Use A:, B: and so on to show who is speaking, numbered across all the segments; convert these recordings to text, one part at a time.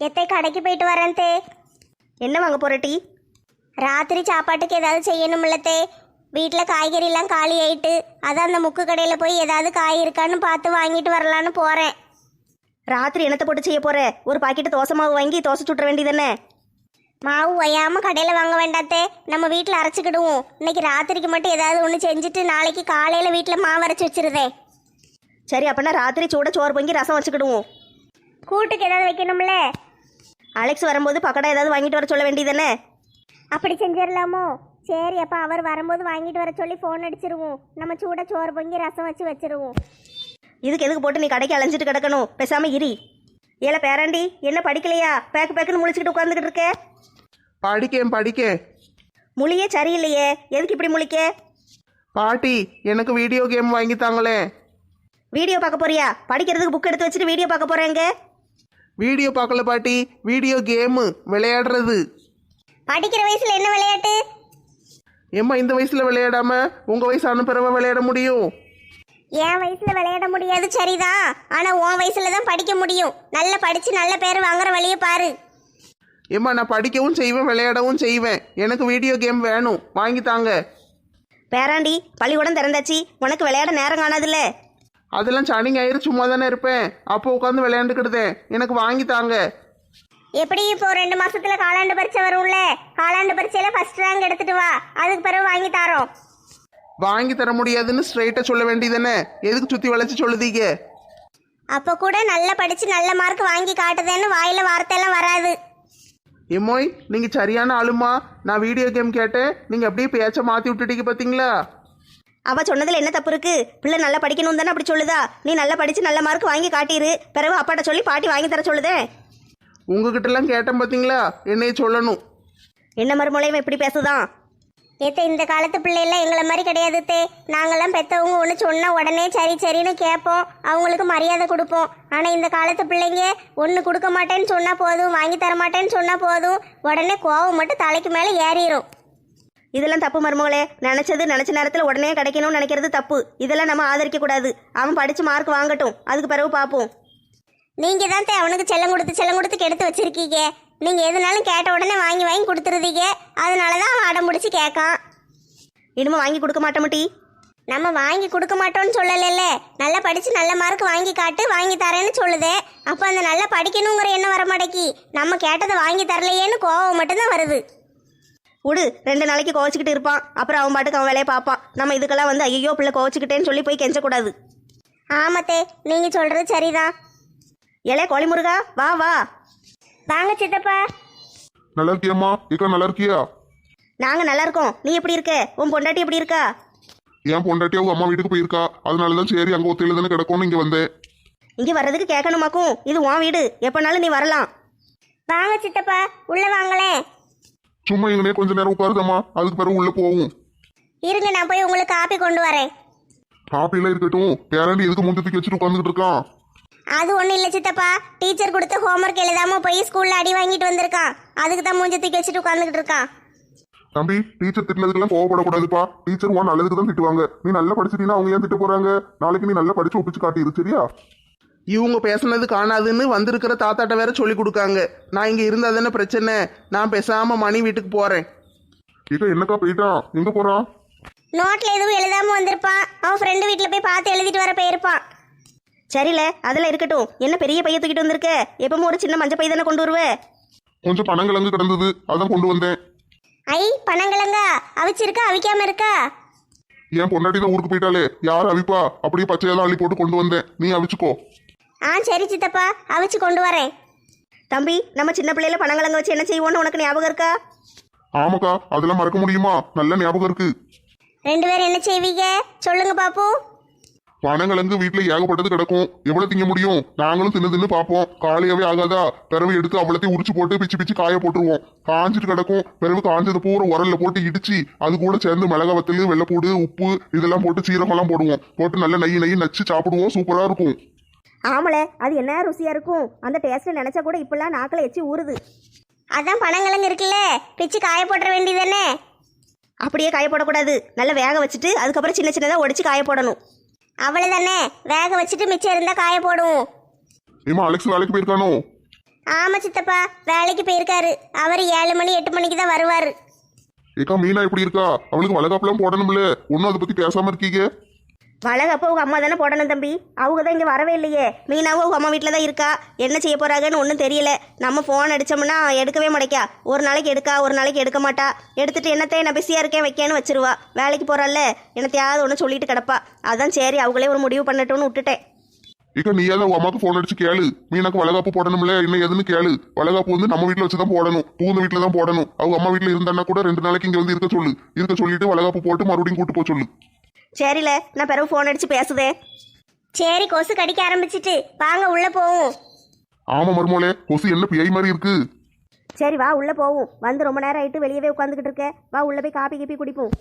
A: எத்தை கடைக்கு போயிட்டு வரேன் தே.
B: என்ன வாங்க போற டீ?
A: ராத்திரி சாப்பாட்டுக்கு ஏதாவது செய்யணும்லத்தே. வீட்டில் காய்கறிலாம் காலி ஆயிட்டு, அதான் அந்த முக்கு கடையில் போய் ஏதாவது காய் இருக்கான்னு பார்த்து வாங்கிட்டு வரலான்னு போகிறேன்.
B: ராத்திரி என்னத்தை போட்டு செய்ய போற? ஒரு பாக்கெட்டு தோசை மாவு வாங்கி தோசை சுட்டுற வேண்டியதானே?
A: மாவு ஒய்யாமல் கடையில் வாங்க வேண்டாத்தே, நம்ம வீட்டில் அரைச்சிக்கிடுவோம். இன்னைக்கு ராத்திரிக்கு மட்டும் ஏதாவது ஒன்று செஞ்சுட்டு நாளைக்கு காலையில் வீட்டில் மாவு அரைச்சி வச்சிருதேன்.
B: சரி, அப்பனா ராத்திரி சூட சோறு பொங்கி ரசம் வச்சுக்கிடுவோம்.
A: கூட்டுக்கு ஏதாவது வைக்கணும்ல?
B: அலெக்ஸ் வரும்போது பக்கடா ஏதாவது வாங்கிட்டு வர சொல்ல வேண்டியதானே?
A: அப்படி செஞ்சிடலாமோ? சரி, அப்போ அவர் வரும்போது வாங்கிட்டு வர சொல்லி ஃபோன் அடிச்சிருவோம். நம்ம சூட சோறு பொங்கி ரசம் வச்சு வச்சிருவோம்.
B: இதுக்கு எதுக்கு போட்டு நீ கடைக்கு அலைஞ்சிட்டு கிடக்கணும்? பேசாம இரி. ஏல பேராண்டி, என்ன படிக்கலையா? பேக்கு பேக்குன்னு முழிச்சுக்கிட்டு உட்காந்துக்கிட்டு இருக்க.
C: படிக்கேன்.
B: முழியே சரியில்லையே, எதுக்கு இப்படி முழிக்க?
C: பாட்டி, எனக்கு வீடியோ கேம் வாங்கி தாங்களேன்.
B: வீடியோ பார்க்க போறியா? படிக்கிறதுக்கு புக் எடுத்து வச்சுட்டு வீடியோ பார்க்க போறேங்க.
C: வீடியோ பார்க்கல பாட்டி, வீடியோ கேமு விளையாடுறது.
A: படிக்கிற வயசுல என்ன விளையாட்டு?
C: ஏம்மா இந்த வயசுல விளையாடாம உங்க வயசு அனுப்புறவ விளையாட முடியும்?
A: என் வயசுல விளையாட முடியாது சரிதான், ஆனா உன் வயசுல தான் படிக்க முடியும். நல்லா படிச்சு நல்ல பேர் வாங்குற வழியை பாரு.
C: ஏம்மா நான் படிக்கவும் செய்வேன் விளையாடவும் செய்வேன். எனக்கு வீடியோ கேம் வேணும், வாங்கி தாங்க.
B: பேராண்டி, பள்ளிக்கூடம் திறந்தாச்சு, உனக்கு விளையாட நேரம் காணாதுல்ல?
C: அதெல்லாம் சனி ஞாயிறு சும்மா தானே இருப்பேன், அப்போ உட்காந்து விளையாண்டுக்கிடுதேன். எனக்கு வாங்கி தாங்க.
A: எப்படி இப்போ 2 மாசத்துல காலாண்டு பரீட்சை வரும்ல, காலாண்டு பரீட்சையில ஃபர்ஸ்ட் ரேங்க் எடுத்துட்டு வா, அதுக்கு பிறகு வாங்கி தாரோம்.
C: வாங்கி தர முடியாதுன்னு ஸ்ட்ரைட்டா சொல்ல வேண்டியதானே? எதுக்கு சுத்தி வளைச்சு சொல்லுதீங்க?
A: அப்ப கூட நல்லா படிச்சு நல்ல மார்க் வாங்கி காட்டுதேன்னு வாயில வார்த்தையெல்லாம் வராது.
C: எம்மோய், நீங்க சரியான ஆளுமா. நான் வீடியோ கேம் கேட்டேன், நீங்க அப்படியே பேச்ச மாத்தி விட்டுட்டீங்க பாத்தீங்களா?
B: அவ சொன்னதுல என்ன தப்பு இருக்கு? பிள்ளை நல்லா படிக்கணும் தானே அப்படி சொல்லுதா? நீ நல்லா படிச்சு நல்ல மார்க் வாங்கி காட்டிரு, பிறகு அப்பாட்ட சொல்லி பாட்டி வாங்கி தர சொல்லுதே.
C: உங்ககிட்ட எல்லாம் கேட்டேன் பாத்தீங்களா, என்னைய சொல்லணும்.
B: என்ன மறுமொழியும் எப்படி பேசுதான்?
A: ஏத்த இந்த காலத்து பிள்ளைலாம் எங்களை மாதிரி கிடையாது தே. நாங்கெல்லாம் பெற்றவங்க ஒன்று சொன்னா உடனே சரி சரின்னு கேட்போம், அவங்களுக்கு மரியாதை கொடுப்போம். ஆனால் இந்த காலத்து பிள்ளைங்க ஒன்று கொடுக்க மாட்டேன்னு சொன்னால் போதும், வாங்கி தர மாட்டேன்னு சொன்னால் போதும், உடனே கோவம் மட்டும் தலைக்கு மேலே ஏறிடும்.
B: இதெல்லாம் தப்பு மருமகளே. நினைச்ச நேரத்தில் உடனே கிடைக்கணும்னு நினைக்கிறது தப்பு. இதெல்லாம் நம்ம ஆதரிக்க கூடாது. அவன் படிச்சு மார்க் வாங்கட்டும், அதுக்கு பிறகு பார்ப்போம்.
A: நீங்கள் தான் தே அவனுக்கு செல்லம் கொடுத்து கெடுத்து வச்சிருக்கீங்க. நீங்கள் எதுனாலும் கேட்ட உடனே வாங்கி வாங்கி கொடுத்துருதீங்க, அதனால தான் அவன் அடம் பிடிச்சி கேட்கான்.
B: இனிமே வாங்கி கொடுக்க மாட்டோம் டி.
A: நம்ம வாங்கி கொடுக்க மாட்டோம்னு சொல்லலைல்ல, நல்லா படித்து நல்ல மார்க் வாங்கி காட்டு, வாங்கி தரேன்னு சொல்லுதே. அப்போ அந்த நல்லா படிக்கணுங்கிற எண்ணம் வர மாட்டேக்கி, நம்ம கேட்டதை வாங்கி தரலையேன்னு கோவம் மட்டும்தான் வருது.
B: விடு, 2 நாளைக்கு கோவச்சிக்கிட்டு இருப்பான், அப்புறம் அவன் பாட்டுக்கு அவன் வேலையை பார்ப்பான். நம்ம இதுக்கெல்லாம் வந்து ஐயோ பிள்ளை கோவச்சிக்கிட்டேன்னு சொல்லி போய் கெஞ்சக்கூடாது.
A: ஆமத்தே, நீங்கள் சொல்கிறது சரிதான்.
B: ஏலே கோழிமுருகா, வா வா.
A: வாங்க சித்தப்பா.
D: நல்லா இருக்கியம்மா? இக்கா நல்லா இருக்கியா?
B: நாங்க நல்லா இருக்கோம். நீ எப்படி இருக்க? உன் பொண்டாட்டி எப்படி இருக்கா?
D: என் பொண்டாட்டி அவங்க அம்மா வீட்டுக்கு போயிருக்கா, அதனாலதான் சரி அங்க ஒத்தையில தானே கிடக்கும்னு இங்க வந்தேன்.
B: இங்க வர்றதுக்கு கேட்கணுமாக்கும்? இது உன் வீடு, எப்பனாலும் நீ வரலாம்.
A: வாங்க சித்தப்பா, உள்ள வாங்களேன்.
D: சும்மா இங்கனே கொஞ்ச நேரம் உட்காருதம்மா, அதுக்கு பிறகு உள்ள போவோம்.
A: இருங்க, நான் போய் உங்களுக்கு காப்பி கொண்டு வரேன்.
D: காப்பிலாம் இருக்கட்டும், பேராண்டி எதுக்கு முந்தத்துக்கு வச்சுட்டு உட்காந்துக்கிட்டு இருக்கான்?
A: அது ஒன்றும் இல்லை சித்தப்பா, டீச்சர் கொடுத்த ஹோம்ஒர்க் எழுதாம போய் ஸ்கூல்ல அடி வாங்கிட்டு வந்திருக்கான், அதுக்கு தான் மூஞ்ச தூக்கி வச்சுட்டு உட்காந்துக்கிட்டு இருக்கான்.
D: தம்பி, டீச்சர் திட்டினதுக்கெல்லாம் கோவப்படக்கூடாதுப்பா. டீச்சர் உன் நல்லதுக்கு தான் திட்டுவாங்க. நீ நல்லா படிச்சிட்டீங்கன்னா அவங்க ஏன் திட்ட போறாங்க? நாளைக்கு நீ நல்லா படிச்சு ஒப்பிச்சு காட்டிரு, சரியா?
C: இவங்க பேசுனது காணாதுன்னு வந்திருக்கிற தாத்தாட்ட வேற சொல்லி கொடுக்காங்க. நான் இங்க இருந்தா தானே பிரச்சனை. நான் பேசாம மணி வீட்டுக்கு போறேன்.
D: இக்கா என்னக்கா போயிட்டான்? எங்க போறான்?
A: நோட்ல எதுவும் எழுதாம வந்திருப்பான், அவன் ஃப்ரெண்டு வீட்டில் போய் பார்த்து எழுதிட்டு வர போயிருப்பான்.
B: சரியில்ல, அதெல்லாம் இருக்கட்டும். என்ன பெரிய பைய தூக்கிட்டு வந்திருக்க? எப்பவும் ஒரு சின்ன மஞ்சள் பை தானே கொண்டு வருவே?
D: கொஞ்சம் பனங்கிழங்கு கிடந்தது, அதான் கொண்டு வந்தேன்.
A: ஐ, பனங்கிழங்கா? அவிச்சிருக்கா அவிக்காம இருக்கா?
D: என் பொண்டாட்டி தான் ஊருக்கு போயிட்டாலே, யார் அவிப்பா? அப்படியே பச்சையெல்லாம் அள்ளி போட்டு கொண்டு வந்தேன், நீ அவிச்சுக்கோ.
A: சரி சித்தப்பா, அவிச்சு கொண்டு வரேன்.
B: தம்பி, நம்ம சின்ன பிள்ளையில பனங்கிழங்கு வச்சு என்ன செய்வோன்னு உனக்கு ஞாபகம் இருக்கா?
D: ஆமாக்கா, அதெல்லாம் மறக்க முடியுமா? நல்ல ஞாபகம் இருக்கு.
A: 2 பேரும் என்ன செய்வீங்க சொல்லுங்க பாப்பு.
D: பனங்கிழங்கு வீட்டுல ஏகப்பட்டது கிடக்கும், எவ்வளவு திங்க முடியும்? நாங்களும் தின்னு பார்ப்போம், காலையாவே ஆகாதா? பிறகு எடுத்து அவ்வளத்தையும் உரிச்சு போட்டு பிச்சு பிச்சு காய போட்டுருவோம். காஞ்சிட்டு கிடக்கும், பிறகு காஞ்சது பூரா உரல்ல போட்டு இடிச்சு அது கூட சேர்ந்து மிளகா வத்தல், வெள்ளைப்பூடு, உப்பு இதெல்லாம் போட்டு சீரகம்லாம் போடுவோம். போட்டு நல்ல நெய் நச்சு சாப்பிடுவோம், சூப்பரா இருக்கும்.
B: ஆமல, அது என்ன ருசியா இருக்கும். அந்த டேஸ்ட் நினைச்சா கூட இப்பெல்லாம் நாக்கில் எச்சி ஊறுது.
A: அதான் பனங்கிழங்கு இருக்குல்ல, பிச்சு காய போட்டுற வேண்டியதானே.
B: அப்படியே காய போடக்கூடாது, நல்லா வேக வச்சுட்டு அதுக்கப்புறம் சின்ன சின்னதாக உடைச்சு காய போடணும்.
A: அவ்வளவுதானே, வேக வச்சுட்டு மிச்சம் இருந்தா காய போடுவோம்.
D: ஏமா அலெக்ஸ் வேலைக்கு போயிருக்கானோ?
A: ஆமா சித்தப்பா, வேலைக்கு போயிருக்காரு. அவர் 7 மணி 8 மணிக்கு தான் வருவாரு.
D: ஏக்கா மீனா எப்படி இருக்கா? அவளுக்கு வளகாப்புலாம் போடணும்ல, ஒன்னும் அதை பத்தி பேசாம இருக்கீங்க.
B: வளகப்போ உங்க அம்மா தானே போடணும் தம்பி. அவங்க தான் இங்கே வரவே இல்லையே. மீனாவும் உங்க அம்மா வீட்டில் தான் இருக்கா. என்ன செய்ய போறாங்கன்னு ஒன்றும் தெரியல. நம்ம ஃபோன் அடிச்சோம்னா எடுக்கவே மாட்டேக்கா. ஒரு நாளைக்கு எடுக்கா, ஒரு நாளைக்கு எடுக்க மாட்டா. எடுத்துட்டு என்னத்தை நான் பிஸியாக இருக்கேன் வைக்கேன்னு வச்சிருவா. வேலைக்கு போறாள்ல, என்னத்தையாவது ஒன்று சொல்லிட்டு கிடப்பா. அதான் சரி அவங்களே ஒரு முடிவு பண்ணட்டும்னு விட்டுட்டேன்.
D: ஏக்கா நீயாவது உங்க அம்மாக்கு போன் அடிச்சு கேளு, மீனாக்கு வளகாப்பு போடணும்ல, என்ன ஏதுன்னு கேளு. வளகாப்பு வந்து நம்ம வீட்டுல வச்சுதான் போடணும், பூந்த வீட்டுல தான் போடணும். அவங்க அம்மா வீட்டுல இருந்தான்னா கூட 2 நாளைக்கு இங்க வந்து இருக்க சொல்லு. இருக்க சொல்லிட்டு வளகாப்பு போட்டு மறுபடியும் கூட்டு போக சொல்லு.
B: சரில, நான் பிறகு ஃபோன் அடிச்சு பேசுதேன்.
A: சரி, கொசு கடிக்க ஆரம்பிச்சிட்டு வாங்க உள்ள போவோம்.
D: ஆமா மருமோளே, கொசு என்ன பியை மாதிரி இருக்கு.
B: சரி வா உள்ள போவோம். வந்து ரொம்ப நேரம் ஆயிட்டு வெளியவே உட்காந்துக்கிட்டு இருக்க. வா உள்ள போய் காப்பி கீப்பி குடிப்போம்.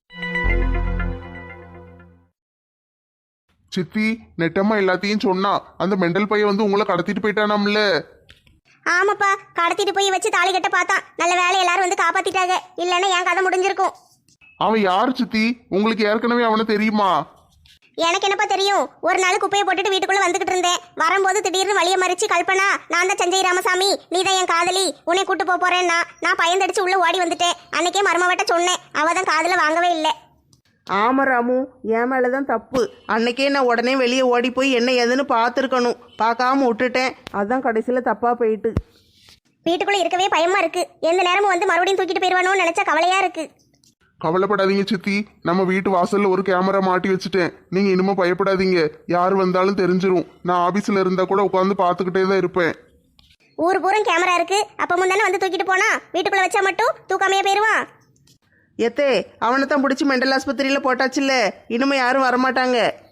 C: சித்தி, நெட்டம்மா எல்லாத்தையும் சொன்னா. அந்த மெண்டல் பையன் வந்து உங்களை கடத்திட்டு போயிட்டானாம்ல.
A: ஆமாப்பா, கடத்திட்டு போய் வச்சு தாலி கட்ட பார்த்தான். நல்ல வேலை எல்லாரும் வந்து காப்பாத்திட்டாங்க. இல்லைன்னா என் கதை முடிஞ்சிருக்கும்.
C: அவன் யார் சித்தி? உங்களுக்கு ஏற்கனவே அவனை தெரியுமா?
A: எனக்கு என்னப்பா தெரியும். ஒரு நாள் குப்பையை போட்டுட்டு வீட்டுக்குள்ள வந்துகிட்டு இருந்தேன். வரும்போது திடீர்னு வழியை மறிச்சு கல்பனா, நான் தான் சஞ்சய் ராமசாமி, நீ தான் என் காதலி, உன்னை கூட்டு போறேன்னா நான் பயந்தடிச்சு உள்ள ஓடி வந்துட்டேன். அன்னைக்கே மருமவட்ட சொன்னேன், அவ தான் காதுல வாங்கவே இல்லை.
E: ஆமா ராமு, என் மேலதான் தப்பு. அன்னைக்கே நான் உடனே வெளியே ஓடி போய் என்ன ஏதுன்னு பார்த்துருக்கணும். பார்க்காம விட்டுட்டேன். அதான் கடைசியில் தப்பா போயிட்டு.
A: வீட்டுக்குள்ள இருக்கவே பயமா இருக்கு. எந்த நேரமும் வந்து மறுபடியும் தூக்கிட்டு போயிருவானோன்னு நினைச்சா கவலையா இருக்கு.
C: கவலைப்படாதீங்க சித்தி, நம்ம வீட்டு வாசல்ல ஒரு கேமரா மாட்டி வச்சுட்டேன். நீங்க இனிமே பயப்படாதீங்க. யார் வந்தாலும் தெரிஞ்சிரும். நான் ஆபீஸ்ல இருந்தா கூட உட்காந்து பார்த்துக்கிட்டே தான் இருப்பேன்.
A: ஊர் பூரம் கேமரா இருக்கு. அப்ப முந்தானே வந்து தூக்கிட்டு போனா வீட்டுக்குள்ள வச்சா மட்டும் தூக்காமையே போயிருவான்.
E: எத்தே, அவனை தான் பிடிச்சி மெண்டல் ஆஸ்பத்திரியில் போட்டாச்சுல்ல. இனிமே யாரும் வரமாட்டாங்க.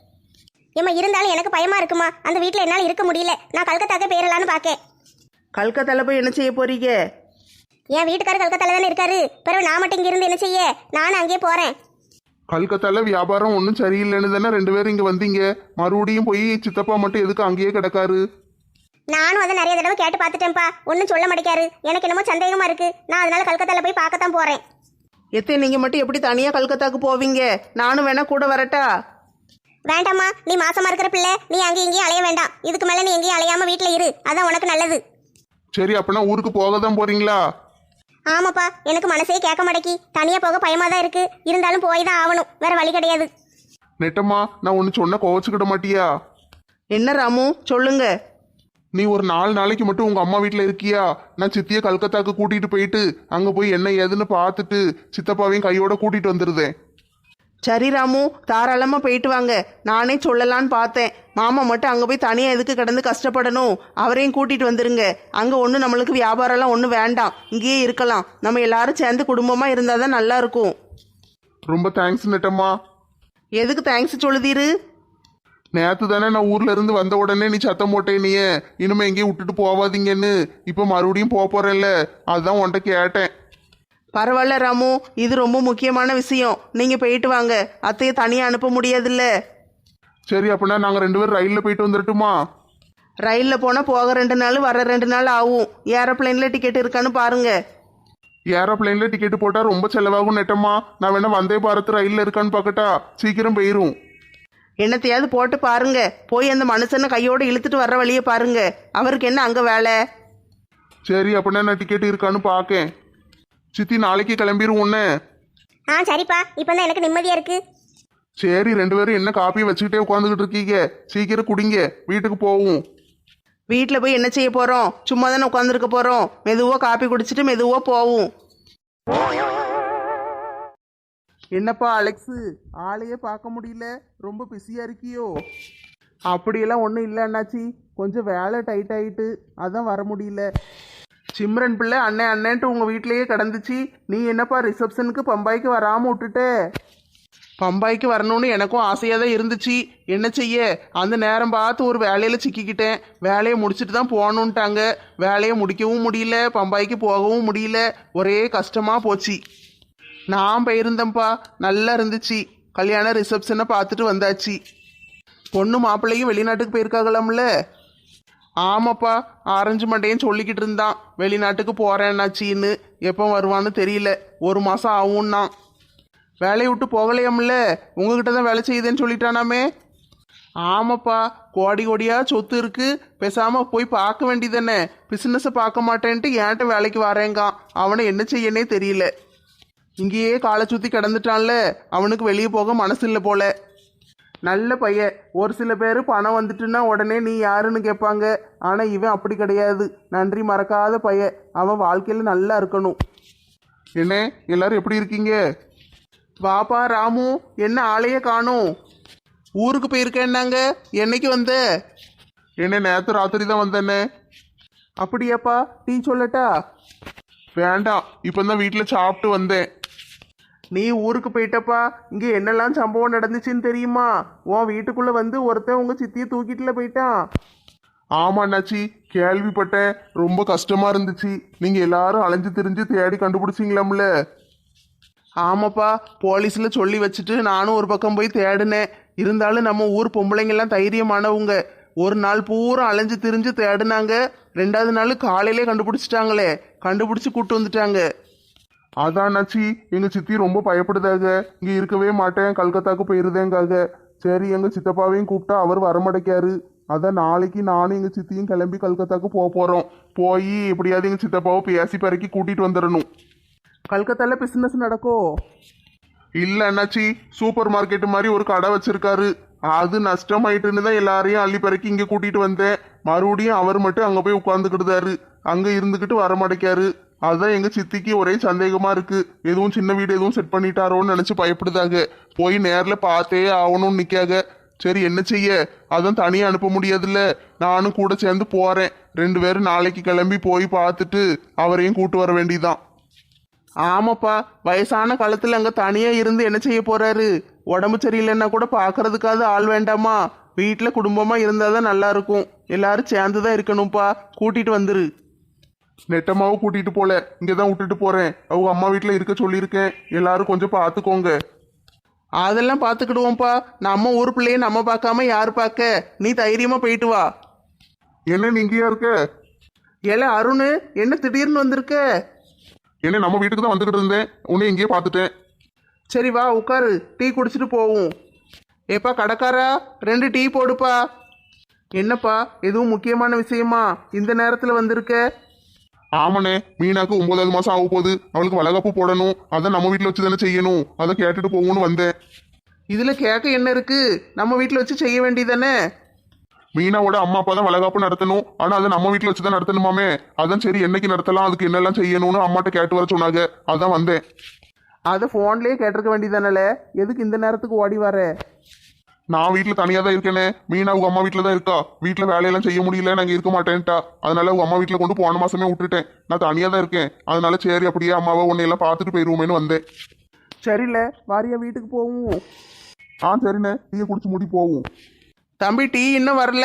A: ஏமா இருந்தாலும் எனக்கு பயமா இருக்குமா. அந்த வீட்டுல என்னால இருக்க முடியல. நான் கல்கத்தாக்கே போயிடலான்னு பாக்கேன்.
E: கல்கத்தால போய் என்ன செய்ய போறீங்க?
A: என் வீட்டுக்காரர் கல்கத்தால தானே இருக்காரு. பிறகு நான் மட்டும் இங்க இருந்து என்ன செய்ய? நானும் அங்கேயே போறேன்.
C: கல்கத்தால வியாபாரம் ஒன்றும் சரியில்லைன்னு தானே 2 பேரும் இங்க வந்தீங்க. மறுபடியும் போய் சித்தப்பா மட்டும் எதுக்கு அங்கேயே கிடக்காரு?
A: நானும் அதை நிறைய தடவை கேட்டு பார்த்துட்டேன்ப்பா. ஒன்றும் சொல்ல மாட்டேக்காரு. எனக்கு என்னமோ சந்தேகமா இருக்கு. நான் அதனால கல்கத்தால போய் பார்க்கத்தான் போறேன்.
E: எத்தே, நீங்க மட்டும் எப்படி தனியா கல்கத்தாக்கு போவீங்க? நானும் வேணா கூட வரட்டா?
A: வேண்டாம்மா, நீ மாசமா இருக்கிற பிள்ளை, நீ அங்கேயும் இங்கேயும் அலைய வேண்டாம். இதுக்கு மேல நீ எங்கேயும் அலையாம வீட்டுல இரு. அதான் உனக்கு நல்லது.
C: சரி, அப்பனா ஊருக்கு போக தான் போறீங்களா?
A: ஆமாப்பா, எனக்கு மனசே கேட்க மாட்டேக்கி. தனியா போக பயமா தான் இருக்கு. இருந்தாலும் போய் தான் ஆகணும். வேற வழி கிடையாது.
C: நெட்டம்மா, நான் ஒன்று சொன்ன கோவச்சுக்கிட மாட்டியா?
E: என்ன ராமு, சொல்லுங்க.
C: நீ ஒரு 4 நாளைக்கு மட்டும் உங்க அம்மா வீட்டில் இருக்கியா? நான் சித்தியை கல்கத்தாக்கு கூட்டிட்டு போயிட்டு அங்க போய் என்ன ஏதுன்னு பார்த்துட்டு சித்தப்பாவையும் கையோட கூட்டிட்டு வந்துருதேன்.
E: சரி ராமு, தாராளமாக போயிட்டு வாங்க. நானே சொல்லலான்னு பார்த்தேன். மாமா மட்டும் அங்கே போய் தனியாக எதுக்கு கிடந்து கஷ்டப்படணும்? அவரையும் கூட்டிகிட்டு வந்துருங்க. அங்கே ஒன்றும் நம்மளுக்கு வியாபாரம்லாம் ஒன்றும் வேண்டாம். இங்கேயே இருக்கலாம். நம்ம எல்லாரும் சேர்ந்து குடும்பமாக இருந்தால் தான் நல்லா இருக்கும்.
C: ரொம்ப தேங்க்ஸ் நெட்டம்மா.
E: எதுக்கு தேங்க்ஸ் சொல்லுதீரு?
C: நேற்று தானே நான் ஊர்ல இருந்து வந்த உடனே நீ சத்தம் போட்டே நீயே இனிமே எங்கேயும் விட்டுட்டு போவாதீங்கன்னு. இப்போ மறுபடியும் போறேன்ல, அதுதான் உன்கிட்ட கேட்டேன்.
E: பரவாயில்ல ராமு, இது ரொம்ப முக்கியமான விஷயம். நீங்கள் போயிட்டு வாங்க. அத்தையை தனியாக அனுப்ப முடியாதுல்ல.
C: சரி, அப்படின்னா நாங்கள் 2 பேரும் ரயிலில் போயிட்டு வந்துடட்டுமா?
E: ரயிலில் போனால் போக 2 நாள், வர 2 நாள் ஆகும். ஏரோப்ளைனில் டிக்கெட் இருக்கான்னு பாருங்க.
C: ஏரோப்ளைன்ல டிக்கெட் போட்டால் ரொம்ப செலவாகும் நெட்டம்மா. நான் வேணா வந்தே பாரத் ரயிலில் இருக்கான்னு பார்க்கட்டா? சீக்கிரம் போயிரும்.
E: என்னத்தையாவது போட்டு பாருங்க. போய் அந்த மனுஷனை கையோடு இழுத்துட்டு வர்ற வழியை பாருங்க. அவருக்கு என்ன அங்கே வேலை?
C: சரி, அப்படின்னா நான் டிக்கெட் இருக்கான்னு பார்க்கேன். சித்தி, நாளைக்கு கிளம்பிரும் ஒன்று.
A: சரிப்பா, இப்பதான் எனக்கு நிம்மதியா இருக்கு.
C: சரி, 2 பேரும் என்ன காப்பி வச்சுக்கிட்டே உட்காந்துக்கிட்டு இருக்கீங்க? சீக்கிரம் குடிங்க, வீட்டுக்கு போவோம்.
E: வீட்டில் போய் என்ன செய்ய போகிறோம்? சும்மா தானே உட்காந்துருக்க போகிறோம். மெதுவாக காப்பி குடிச்சிட்டு மெதுவாக போவோம்.
C: என்னப்பா அலெக்ஸு, ஆளையே பார்க்க முடியல, ரொம்ப பிஸியாக இருக்கியோ? அப்படியெல்லாம் ஒன்றும் இல்லை அண்ணாச்சி, கொஞ்சம் வேலை டைட் ஆகிட்டு அதான் வர முடியல. சிம்ரன் பிள்ளை அண்ணன் அண்ணன்ட்டு உங்கள் வீட்டிலேயே கிடந்துச்சு. நீ என்னப்பா ரிசப்ஷனுக்கு பம்பாய்க்கு வராமல் விட்டுட்ட? பம்பாய்க்கு வரணும்னு எனக்கும் ஆசையாக தான் இருந்துச்சு. என்ன செய்ய, அந்த நேரம் பார்த்து ஒரு வேலையில் சிக்கிக்கிட்டேன். வேலையை முடிச்சுட்டு தான் போகணுன்ட்டாங்க. வேலையை முடிக்கவும் முடியல, பம்பாய்க்கு போகவும் முடியல. ஒரே கஷ்டமாக போச்சு. நான் போயிருந்தேன்ப்பா, நல்லா இருந்துச்சு. கல்யாண ரிசப்ஷனை பார்த்துட்டு வந்தாச்சு. பொண்ணு மாப்பிள்ளையும் வெளிநாட்டுக்கு போயிருக்காங்களாம்ல? ஆமாப்பா, ஆரஞ்சு மண்டையும் சொல்லிக்கிட்டு இருந்தான் வெளிநாட்டுக்கு போகிறேன்னாச்சின்னு. எப்போ வருவான்னு தெரியல, 1 மாதம் ஆகும்னா. வேலையை விட்டு போகலையாம்ல, உங்ககிட்ட தான் வேலை செய்யுதுன்னு சொல்லிட்டானாமே. ஆமாப்பா, கோடி கோடியா சொத்து இருக்கு. பேசாம போய் பார்க்க வேண்டியதானே. பிசினஸை பார்க்க மாட்டேன்ட்டு ஏன்ட்ட வேலைக்கு வரேங்கான். அவனை என்ன செய்யனே தெரியல. இங்கேயே காலை சுற்றி கிடந்துட்டான்ல, அவனுக்கு வெளியே போக மனசு இல்லை போல. நல்ல பையன். ஒரு சில பேர் பணம் வந்துட்டுன்னா உடனே நீ யாருன்னு கேட்பாங்க. ஆனால் இவன் அப்படி கிடையாது. நன்றி மறக்காத பையன். அவன் வாழ்க்கையில் நல்லா இருக்கணும்.
D: என்ன எல்லாரும் எப்படி இருக்கீங்க?
C: வாப்பா ராமு, என்ன ஆளையே காணும்? ஊருக்கு போயிருக்கேன்னாங்க, என்னைக்கு வந்த?
D: என்ன நேற்று ராத்திரி தான் வந்தேனே.
C: அப்படியாப்பா, டீ சொல்லட்டா?
D: வேண்டாம், இப்போ தான் வீட்டில் சாப்பிட்டு வந்தேன்.
C: நீ ஊருக்கு போயிட்டப்பா, இங்கே என்னெல்லாம் சம்பவம் நடந்துச்சுன்னு தெரியுமா? உன் வீட்டுக்குள்ளே வந்து ஒருத்தன் உங்கள் சித்தியை தூக்கிட்டுல போயிட்டான்.
D: ஆமா அண்ணாச்சி, கேள்விப்பட்டேன். ரொம்ப கஷ்டமா இருந்துச்சு. நீங்க எல்லாரும் அலைஞ்சு திரிஞ்சு தேடி கண்டுபிடிச்சிங்களாம்ல?
C: ஆமாப்பா, போலீஸில் சொல்லி வச்சுட்டு நானும் ஒரு பக்கம் போய் தேடினேன். இருந்தாலும் நம்ம ஊர் பொம்பளைங்கெல்லாம் தைரியமானவங்க. ஒரு நாள் பூரா அலைஞ்சு திரிஞ்சு தேடினாங்க. 2வது நாள் காலையிலே கண்டுபிடிச்சிட்டாங்களே. கண்டுபிடிச்சி கூட்டு வந்துட்டாங்க.
D: அதான் அண்ணாச்சி, எங்க சித்தி ரொம்ப பயப்படுதாக. இங்க இருக்கவே மாட்டேன், கல்கத்தாக்கு போயிருதேங்காக. சரி, எங்க சித்தப்பாவையும் கூப்பிட்டா அவர் வரமாட்டேக்காரு. அதான் நாளைக்கு நானும் எங்க சித்தியும் கிளம்பி கல்கத்தாக்கு போறோம். போய் எப்படியாவது எங்க சித்தப்பாவை பேசி பறக்கி கூட்டிட்டு வந்துடணும்.
C: கல்கத்தால பிசினஸ் நடக்கோ?
D: இல்ல அண்ணாச்சி, சூப்பர் மார்க்கெட் மாதிரி ஒரு கடை வச்சிருக்காரு. அது நஷ்டமாயிட்டுன்னு தான் எல்லாரையும் அள்ளி பறக்கி இங்க கூட்டிட்டு வந்தேன். மறுபடியும் அவர் மட்டும் அங்க போய் உட்காந்துக்கிட்டுதாரு. அங்க இருந்துகிட்டு வரமாட்டேக்காரு. அதான் எங்க சித்திக்கு ஒரே சந்தேகமா இருக்கு. எதுவும் சின்ன வீடு எதுவும் செட் பண்ணிட்டாரோன்னு நினைச்சு பயப்படுதாக. போய் நேர்ல பார்த்தே ஆகணும்னு நிக்காக. சரி, என்ன செய்ய, அதான் தனியா அனுப்ப முடியாதுல்ல. நானும் கூட சேர்ந்து போறேன். 2 பேரும் நாளைக்கு கிளம்பி போய் பார்த்துட்டு அவரையும் கூட்டு வர வேண்டியதான்.
C: ஆமாப்பா, வயசான காலத்தில் அங்கே தனியாக இருந்து என்ன செய்ய போறாரு? உடம்பு சரியில்லைன்னா கூட பார்க்கறதுக்காவது ஆள் வேண்டாமா? வீட்டில் குடும்பமாக இருந்தால் தான் நல்லா இருக்கும். எல்லாரும் சேர்ந்து தான் இருக்கணும்ப்பா. கூட்டிட்டு வந்துரு.
D: நெட்டமாவும் கூட்டிட்டு போல, இங்கதான் விட்டுட்டு போறேன். அவங்க அம்மா வீட்டுல இருக்க சொல்லியிருக்கேன். எல்லாரும் கொஞ்சம் பார்த்துக்கோங்க.
C: அதெல்லாம் பார்த்துக்கிடுவோம்ப்பா. நம்ம ஊர் பிள்ளைய நம்ம பார்க்காம யார் பார்க்க? நீ தைரியமாக போயிட்டு வா.
D: என்ன நீங்கயா இருக்க?
C: ஏல அருண், என்ன திடீர்னு வந்திருக்க?
D: என்ன நம்ம வீட்டுக்கு தான் வந்துகிட்டு இருந்தேன், உன்னை இங்கேயே பார்த்துட்டேன்.
C: சரி வா, உட்காரு, டீ குடிச்சிட்டு போவோம். ஏப்பா கடைக்காரா, 2 டீ போடுப்பா. என்னப்பா, எதுவும் முக்கியமான விஷயமா இந்த நேரத்தில் வந்திருக்க?
D: ஆமாண்ணே, மீனாக்கு 9வது மாசம் ஆக போகுது. அவளுக்கு வளகாப்பு போடணும். அதான் நம்ம வீட்டில் வச்சு தானே செய்யணும். அதை கேட்டுட்டு போகணும்னு வந்தேன்.
C: இதில் கேட்க என்ன இருக்கு? நம்ம வீட்டில் வச்சு செய்ய வேண்டியதானே?
D: மீனாவோட அம்மா அப்பா தான் வளகாப்பு நடத்தணும். ஆனா அதை நம்ம வீட்டில் வச்சு தான் நடத்தணுமாமே. அதான் சரி, என்னைக்கு நடத்தலாம், அதுக்கு என்னெல்லாம் செய்யணும்னு அம்மாட்ட கேட்டு வர சொன்னாங்க. அதான் வந்தேன்.
C: அதை ஃபோன்லேயே கேட்டிருக்க வேண்டியதானல, எதுக்கு இந்த நேரத்துக்கு ஓடி வர?
D: நான் வீட்டில் தனியாக தான் இருக்கேனே. மீனா உங்க அம்மா வீட்டில் தான் இருக்கா. வீட்டில் வேலையெல்லாம் செய்ய முடியல, நாங்கள் இருக்க மாட்டேன்ட்டா. அதனால உங்க அம்மா வீட்டில் கொண்டு போன மாசமே விட்டுட்டேன். நான் தனியாக தான் இருக்கேன். அதனால சரி, அப்படியே அம்மாவை உன்னையெல்லாம் பார்த்துட்டு போயிடுவோமேனு வந்தேன்.
C: சரியில்ல, வாரியா வீட்டுக்கு போவோம்.
D: சரிண்ணே, நீங்கள் குடிச்சு மூடி போவோம்.
C: தம்பி, டீ இன்னும் வரல.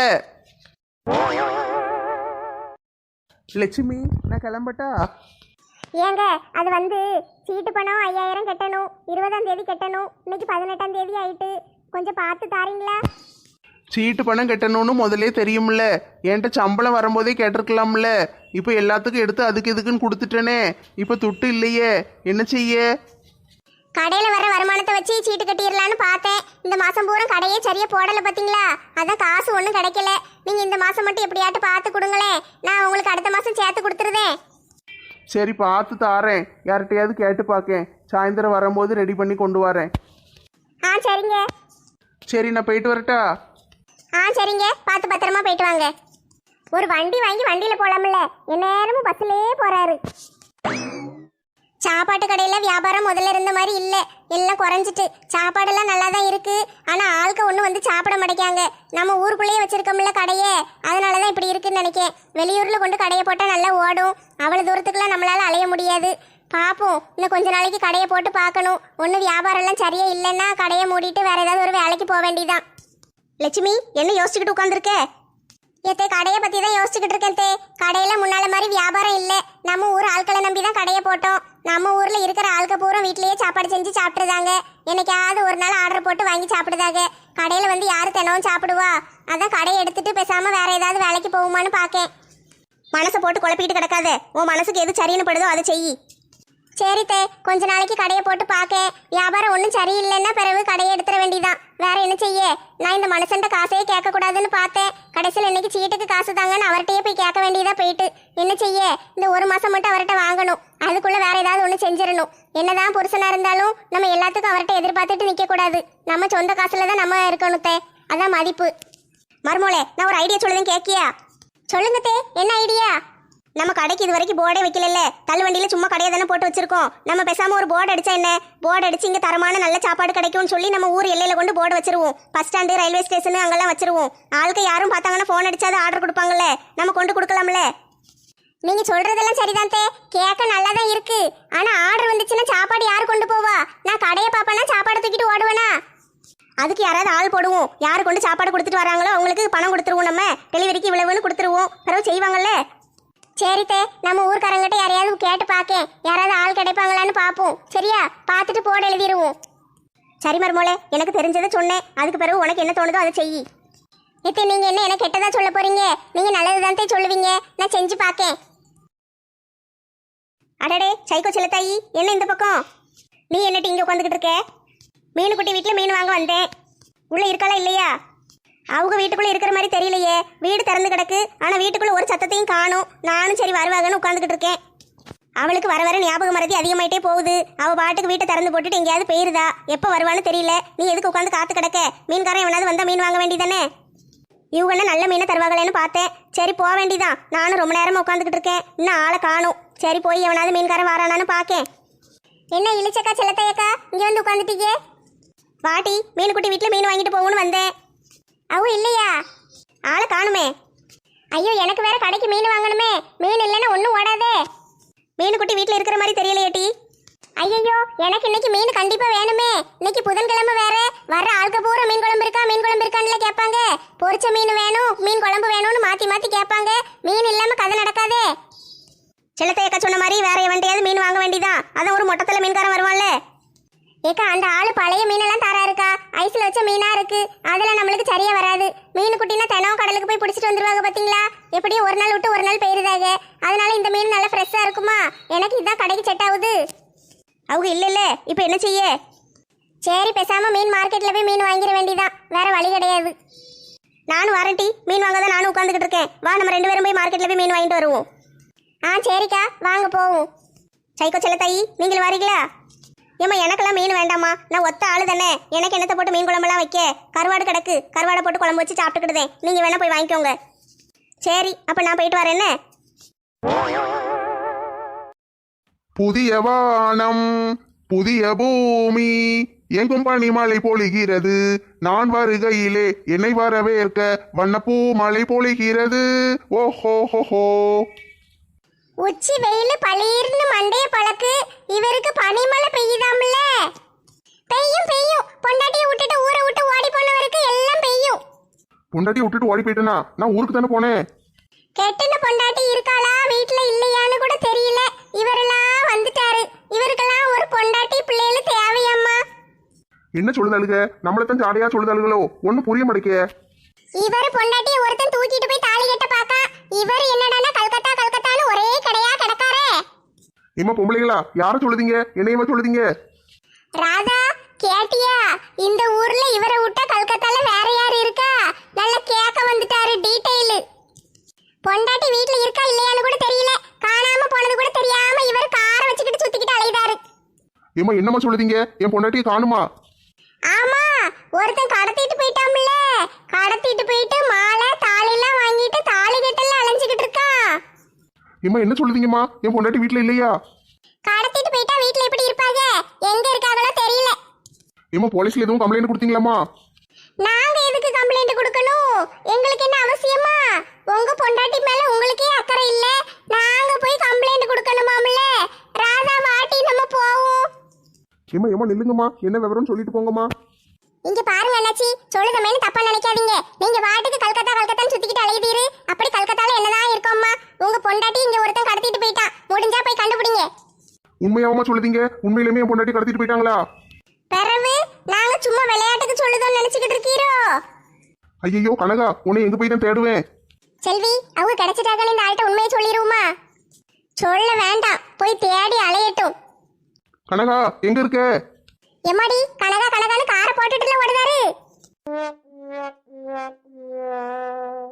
C: லட்சுமி, நான் கிளம்பட்டா?
A: ஏங்க, அது வந்து சீட்டு பணம் 5000 கட்டணும். 20ஆம் தேதி கட்டணும். இன்னைக்கு 18ஆம் தேதி ஆயிட்டு. கொஞ்சம் பார்த்து தாரீங்களா?
C: சீட்டு பணம் கட்டணும்னு முதலே தெரியும்ல. என்கிட்ட சம்பளம் வரும்போதே கேட்டிருக்கலாம்ல. இப்போ எல்லாத்துக்கும் எடுத்து அதுக்கு இதுக்குன்னு கொடுத்துட்டேனே. இப்போ துட்டு இல்லையே, என்ன செய்ய?
A: கடையில் வர வருமானத்தை வச்சு சீட்டு கட்டிடலான்னு பார்த்தேன். இந்த மாதம் பூரா கடையே சரியாக போடலை பார்த்தீங்களா? அதான் காசு ஒன்றும் கிடைக்கல. நீங்கள் இந்த மாதம் மட்டும் எப்படியாட்டு பார்த்து கொடுங்களேன். நான் உங்களுக்கு அடுத்த மாதம் சேர்த்து கொடுத்துருதேன்.
C: சரி, பார்த்து தாரேன். யார்கிட்டையாவது கேட்டு பார்க்கேன். சாயந்தரம் வரும்போது ரெடி பண்ணி கொண்டு வரேன்.
A: சரிங்க.
C: சரி, நான் போயிட்டு வரட்டா?
A: சரிங்க, பார்த்து பத்திரமா போயிட்டு வாங்க. ஒரு வண்டி வாங்கி வண்டியில் போகலாம்ல. எந்நேரமும் பஸ்ஸிலே போகிறாரு. சாப்பாட்டு கடையில் வியாபாரம் முதல்ல இருந்த மாதிரி இல்லை. எல்லாம் குறைஞ்சிட்டு. சாப்பாடெல்லாம் நல்லா தான் இருக்கு. ஆனால் ஆட்கள் ஒன்றும் வந்து சாப்பிட மாட்டேங்காங்க. நம்ம ஊருக்குள்ளேயே வச்சிருக்கோம்ல கடையே, அதனால தான் இப்படி இருக்குன்னு நினைக்கேன். வெளியூரில் கொண்டு கடையை போட்டால் நல்லா ஓடும். அவ்வளோ தூரத்துக்குலாம் நம்மளால் அலைய முடியாது. பார்ப்போம், இன்னும் கொஞ்ச நாளைக்கு கடையை போட்டு பார்க்கணும். ஒன்றும் வியாபாரம்லாம் சரியா இல்லைன்னா கடையை மூடிட்டு வேற ஏதாவது ஒரு வேலைக்கு போக வேண்டியதான். லட்சுமி, என்ன யோசிச்சுக்கிட்டு உட்காந்துருக்க? ஏத்தே, கடையை பற்றி தான் யோசிச்சுக்கிட்டு இருக்கேன் தே. கடையில் முன்னால மாதிரி வியாபாரம் இல்லை. நம்ம ஊர் ஆட்களை நம்பி தான் கடையை போட்டோம். நம்ம ஊரில் இருக்கிற ஆட்கள் பூரா வீட்லேயே சாப்பாடு செஞ்சு சாப்பிட்ருதாங்க. என்னைக்காவது ஒரு நாள் ஆர்டர் போட்டு வாங்கி சாப்பிடுதாங்க. கடையில் வந்து யார் தினமும் சாப்பிடுவா? அதான் கடையை எடுத்துட்டு பேசாமல் வேற ஏதாவது வேலைக்கு போகுமான்னு பார்க்கேன். மனசை போட்டு குழப்பிக்கிட்டு கிடக்காத. உன் மனசுக்கு எது சரின்னு படுதோ அதை செய். சரி தே, கொஞ்ச நாளைக்கு கடையை போட்டு பார்க்க. வியாபாரம் ஒன்றும் சரியில்லைன்னா பிறகு கடையை எடுத்துட வேண்டியதான். வேற என்ன செய்ய? நான் இந்த மனுஷன்ட்ட காசையே கேட்க கூடாதுன்னு பார்த்தேன். கடைசியில் இன்னைக்கு சீட்டுக்கு காசு தாங்கன்னு அவர்கிட்டயே போய் கேட்க வேண்டியதா போயிட்டு. என்ன செய்ய? இந்த ஒரு மாசம் மட்டும் அவர்கிட்ட வாங்கணும். அதுக்குள்ள வேற ஏதாவது ஒன்று செஞ்சிடணும். என்னதான் புருஷனா இருந்தாலும் நம்ம எல்லாத்துக்கும் அவர்கிட்ட எதிர்பார்த்துட்டு நிக்க கூடாது. நம்ம சொந்த காசுல தான் நம்ம இருக்கணும் தே. அதான் மதிப்பு. மருமோளே, நான் ஒரு ஐடியா சொல்லுதேன், கேட்கியா? சொல்லுங்க தே, என்ன ஐடியா? நம்ம கடைக்கு இது வரைக்கும் போர்டே வைக்கல. தள்ளுவண்டியில சும்மா கடையை தானே போட்டு வச்சிருக்கோம். நம்ம பேசாம ஒரு போர்டு அடிச்சா என்ன? போர்டு அடிச்சு இங்க தரமான நல்ல சாப்பாடு கிடைக்கும்னு சொல்லி நம்ம ஊர் எல்லையில கொண்டு போர்டு வச்சிருவோம். பஸ் ஸ்டாண்டு, ரயில்வே ஸ்டேஷன் அங்கெல்லாம் வச்சிருவோம். ஆளுக்கு யாரும் பார்த்தாங்கன்னா போன் அடிச்சாது ஆர்டர் கொடுப்பாங்கல்ல, நம்ம கொண்டு கொடுக்கலாம்ல. நீங்க சொல்றதெல்லாம் சரிதான் தே, கேட்க நல்லா தான் இருக்கு. ஆனா ஆர்டர் வந்துச்சுன்னா சாப்பாடு யார் கொண்டு போவா? நான் கடையை பாப்பேன்னா சாப்பாடு தூக்கிட்டு ஓடுவேனா? அதுக்கு யாராவது ஆள் போடுவோம். யாரு கொண்டு சாப்பாடு கொடுத்துட்டு வராங்களோ அவங்களுக்கு பணம் கொடுத்துருவோம். நம்ம டெலிவரிக்கு இவ்வளவுன்னு கொடுத்துருவோம். பிறகு செய்வாங்கல்ல. சரித்தே, நம்ம ஊர்க்காரங்கிட்ட யாரையாவது கேட்டு பார்க்கேன். யாராவது ஆள் கிடைப்பாங்களான்னு பார்ப்போம். சரியா? பார்த்துட்டு போட எழுதிடுவோம். சரி மருமோளே, எனக்கு தெரிஞ்சதை சொன்னேன். அதுக்கு பிறகு உனக்கு என்ன தோணுதோ அதை செய். இப்போ நீங்க என்ன எனக்கு கெட்டதா சொல்ல போறீங்க? நீங்க நல்லதுதான் சொல்லுவீங்க. நான் செஞ்சு பார்க்கேன். அடடே சைக்கோ செல்லத்தாயி, என்ன இந்த பக்கம்? நீ என்னட்டு இங்கே உட்காந்துக்கிட்டு இருக்க? மீனுக்குட்டி வீட்டில் மீன் வாங்க வந்தேன். உள்ள இருக்காளா இல்லையா? அவங்க வீட்டுக்குள்ள இருக்கிற மாதிரி தெரியலையே. வீடு திறந்து கிடக்கு, ஆனா வீட்டுக்குள்ள ஒரு சத்தத்தையும் காணும். நானும் சரி வருவாங்கன்னு உட்காந்துக்கிட்டு இருக்கேன். அவளுக்கு வர வர ஞாபக மறதி அதிகமாயிட்டே போகுது. அவ பாட்டுக்கு வீட்டை திறந்து போட்டுட்டு எங்கேயாவது போயிருதா. எப்போ வருவான்னு தெரியல. நீ எதுக்கு உட்காந்து காத்து கிடக்க? மீன்காரன் எவனாவது வந்தா மீன் வாங்க வேண்டியதானே. இவங்க நல்ல மீனை தருவாங்களேன்னு பார்த்தேன். சரி போக வேண்டியதான். நானும் ரொம்ப நேரமா உட்காந்துக்கிட்டு இருக்கேன். இன்னும் ஆளை காணும். சரி போய் எவனாவது மீன்காரன் வரானான்னு பார்க்கேன். என்ன இழிச்சக்கா செல்லத்தையக்கா இங்க வந்து உட்காந்துட்டீங்க? வாட்டி, மீனுக்குட்டி வீட்டில் மீன் வாங்கிட்டு போகணும்னு வந்தேன். அவ இல்லையா? ஆளை காணுமே. ஐயோ, எனக்கு வேற கடைக்கு மீன் வாங்கணுமே. மீன் இல்லைன்னா ஒன்றும் ஓடாதே. மீனுக்குட்டி வீட்டில் இருக்கிற மாதிரி தெரியலையேட்டி. ஐயோ, எனக்கு இன்னைக்கு மீன் கண்டிப்பா வேணுமே. இன்னைக்கு புதன்கிழமை வேற. வர்ற ஆளுக்கு பூரா மீன் குழம்பு இருக்கா, மீன் குழம்பு இருக்கான்ல கேட்பாங்க. பொரிச்ச மீன் வேணும், மீன் குழம்பு வேணும்னு மாத்தி மாத்தி கேட்பாங்க. மீன் இல்லாம கதை நடக்காதே. செல்லத்தையக்கா சொன்ன மாதிரி வேற எவன்டையாவது மீன் வாங்க வேண்டியதான். அதான் ஒரு மொட்டத்தில் மீன்காரன் வருவான்ல. ஏக்கா, அந்த ஆளு பழைய மீனெல்லாம் தரா இருக்கா? ஐஸ்ல வச்ச மீனா இருக்கு. அதெல்லாம் நம்மளுக்கு சரியா வராது. மீன் குட்டினா தினம் கடலுக்கு போய் பிடிச்சிட்டு வந்துருவாங்க பாத்தீங்களா? எப்படியும் ஒரு நாள் விட்டு ஒரு நாள் போயிருதாக. அதனால இந்த மீன் நல்லா ஃப்ரெஷ்ஷா இருக்குமா? எனக்கு இதான் கடைக்கு செட் ஆகுது. அவங்க இல்ல இப்ப என்ன செய்ய? சரி, பேசாம மீன் மார்க்கெட்ல போய் மீன் வாங்கிட வேண்டியதான். வேற வழி கிடையாது. நானும் வாரண்டி மீன் வாங்க தான் நானும் உட்காந்துக்கிட்டு இருக்கேன். வா, நம்ம 2 பேரும் போய் மார்க்கெட்ல போய் மீன் வாங்கிட்டு வருவோம். சரிக்கா, வாங்க போவோம். சைக்கோ செல்லத்தாயி, நீங்களும் வாரீங்களா? ஏமா, எனக்கெல்லாம் மீன் வேண்டாமா. நான் ஒத்த ஆளு தானே. எனக்கு என்னத்தை போட்டு மீன் குழம்பெல்லாம் வைக்க? கருவாடு கிடக்கு, கருவாடை போட்டு குழம்பு வச்சு சாப்பிட்டுக்கிட்டுதேன். நீங்க வேணா போய் வாங்கிக்கோங்க. சரி, அப்ப நான் போயிட்டு வரேன். என்ன?
D: புதிய வானம் புதிய பூமி எங்கும் பனிமழை பொழிகிறது. நான் வருகையிலே என்னை வரவேற்க வண்ணப்பூ மழை பொழிகிறது. ஓஹோ ஹோ.
A: உச்சி வெயில் பளீர்னு மண்டைய பழக்கு. இவருக்கு பனிமழை பெய்யுதாம்ல. பெய்யும் பெய்யும். பொண்டாட்டியை விட்டுட்டு ஊரை விட்டு ஓடி போனவருக்கு எல்லாம் பெய்யும்.
D: பொண்டாட்டியை விட்டுட்டு ஓடி போயிட்டேனா? நான் ஊருக்கு தானே போனேன்.
A: கெட்டின பொண்டாட்டி இருக்காளா வீட்டுல இல்லையான்னு கூட தெரியல. இவரெல்லாம் வந்துட்டாரு. இவருக்கெல்லாம் ஒரு பொண்டாட்டி பிள்ளைகள் தேவையம்மா.
D: என்ன சொல்லுதாளுக? நம்மளத்தான் ஜாடையா சொல்லுதாளுகளோ? ஒன்னும் புரிய மாட்டேங்க.
A: இவர் பொண்டாட்டியை ஒருத்தன் தூக்கிட்டு போய் தாலி கட்ட பாக்கா. இவர் என்னடானா கல்கத்தா கல்கத்தான்னு ஒரே கடையா கிடக்காரே.
D: இம்மா பொம்பளைங்களா, யார சொல்லுதீங்க? என்னையமா சொல்லுதீங்க?
A: ராதா, கேட்டியா? இந்த ஊர்ல இவரை விட்டா கல்கத்தால வேற யாரு இருக்கா? நல்ல கேட்க வந்துட்டாரு டீடைல். பொண்டாட்டி வீட்டுல இருக்கா இல்லையான்னு கூட தெரியல. காணாம போனது கூட தெரியாம இவர் காரை வச்சுக்கிட்டு சுத்திக்கிட்டு அலையுதாரு.
D: ஏமா என்னம்மா சொல்லுதீங்க? என் பொண்டாட்டியை காணுமா?
A: ஆமா, ஒருத்தன் கடத்திட்டு போயிட்டாம்ல. கடத்திட்டு போயிட்டு மாலை தாலிலாம் வாங்கிட்டு தாலி கட்டெல்லாம் அலைஞ்சுக்கிட்டு இருக்கா.
D: ஏமா என்ன சொல்லுதீங்கம்மா? என் பொண்டாட்டி வீட்டுல இல்லையா?
A: கடத்திட்டு போயிட்டா வீட்டுல எப்படி இருப்பாங்க? எங்க இருக்காங்களோ தெரியல.
D: ஏமா போலீஸ்ல எதுவும் கம்ப்ளைண்ட் கொடுத்தீங்களாமா?
A: நாங்க எதுக்கு கம்ப்ளைண்ட் கொடுக்கணும்? எங்களுக்கு என்ன அவசியமா? உங்க பொண்டாட்டி மேல உங்களுக்கே அக்கறை இல்ல. நாங்க போய் கம்ப்ளைண்ட் கொடுக்கணுமாம்ல. ராதா, வாட்டி நம்ம போவோம்.
D: ஏமா நில்லுங்கம்மா, என்ன விவரம் சொல்லிட்டு போங்கம்மா.
A: இங்க பாருங்க அண்ணாச்சி, சொல்லுதமேனு தப்பா நினைக்காதீங்க. நீங்க வாட்டுக்கு கல்கத்தா கல்கத்தான்னு சுத்திக்கிட்டு அலையுதீரு. அப்படி கல்கத்தால என்னதான் இருக்கோம்மா? உங்க பொண்டாட்டி இங்க ஒருத்தன் கடத்திட்டு போயிட்டான். முடிஞ்சா போய் கண்டுபிடிங்க.
D: உண்மையாவமா சொல்லுதீங்க? உண்மையிலுமே என் பொண்டாட்டி கடத்திட்டு போயிட்டாங்களா?
A: பிறவு நாங்க சும்மா விளையாட்டுக்கு சொல்லுதோன்னு நினைச்சுக்கிட்டு இருக்கீரோ?
D: ஐயோ கனகா, உன்னை எங்க போய் தான் தேடுவேன்.
A: செல்வி, அவங்க கிடைச்சிட்டாங்கன்னு இந்த ஆள்கிட்ட உண்மையை சொல்லிடுவோமா? சொல்ல வேண்டாம், போய் தேடி அலையட்டும்.
C: கனகா எங்க இருக்க?
A: எம்மாடி கனகா கனகான்னு காரை போட்டுட்டுல ஓடுதாரு.